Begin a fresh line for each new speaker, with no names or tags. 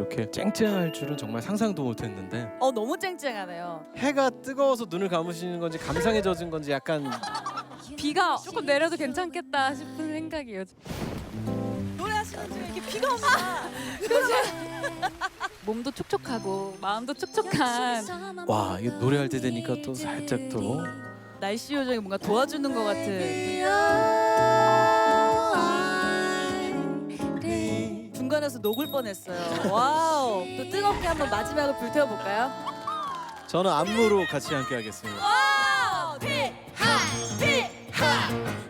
이렇게 쨍쨍할 줄은 정말 상상도 못했는데
너무 쨍쨍하네요.
해가 뜨거워서 눈을 감으시는 건지 감상에 젖은 건지 약간
비가 조금 내려도 괜찮겠다 싶은 생각이에요.
노래하시는 중에 이렇게 비가 온다.
몸도 촉촉하고 마음도 촉촉한.
와 이게 노래할 때 되니까 또 살짝 또
날씨 요정이 뭔가 도와주는 것 같은. 중간에서 녹을 뻔했어요. 와우. 또 뜨겁게 한번 마지막을 불태워볼까요?
저는 안무로 같이 함께 하겠습니다.
와우! 피하! 피하!